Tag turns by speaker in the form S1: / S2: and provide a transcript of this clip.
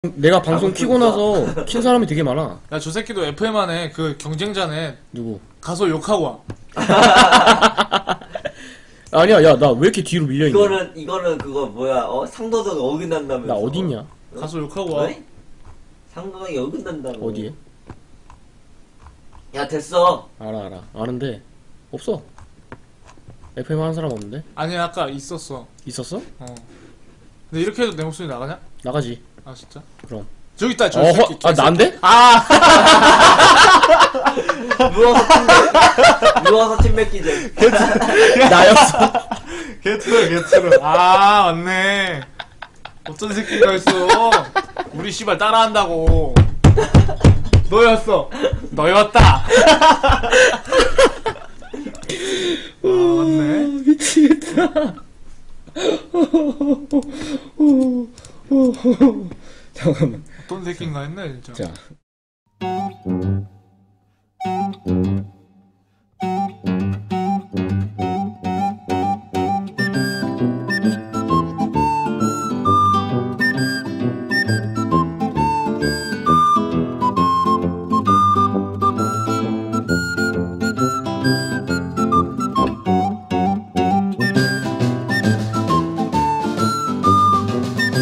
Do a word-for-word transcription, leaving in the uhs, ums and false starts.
S1: 내가 방송 키고 나서 킨 사람이 되게 많아.
S2: 야, 저 새끼도 에프엠 안에 그 경쟁자네.
S1: 누구?
S2: 가서 욕하고 와.
S1: 아니야, 야, 나 왜 이렇게 뒤로 밀려있냐?
S3: 이거는 이거는 그거 뭐야? 어 상도덕 어긋난다면서.
S1: 나 어딨냐?
S2: 가서 욕하고 와.
S3: 왜? 상도덕이 어긋난다고.
S1: 어디에?
S3: 야 됐어.
S1: 알아, 알아. 아는데, 없어. 에프엠 하는 사람 없는데?
S2: 아니, 아까 있었어.
S1: 있었어?
S2: 어. 근데 이렇게 해도 내 목소리 나가냐?
S1: 나가지.
S2: 아, 진짜?
S1: 그럼.
S2: 저기 있다, 저
S1: 어허,
S2: 새끼. 저
S1: 아,
S2: 새끼.
S1: 난데?
S2: 아!
S3: 누워서 침 뱉- 누워서 침 뱉기제.
S1: 나였어.
S2: 개트로, 개트로. 아, 맞네. 어떤 새끼가 있어. 우리 씨발 따라한다고. 너였어. 너였다. 아, 맞네.
S1: 미치겠다. 잠깐만.
S2: 어떤 새끼인가 했네, 진짜.
S1: 자.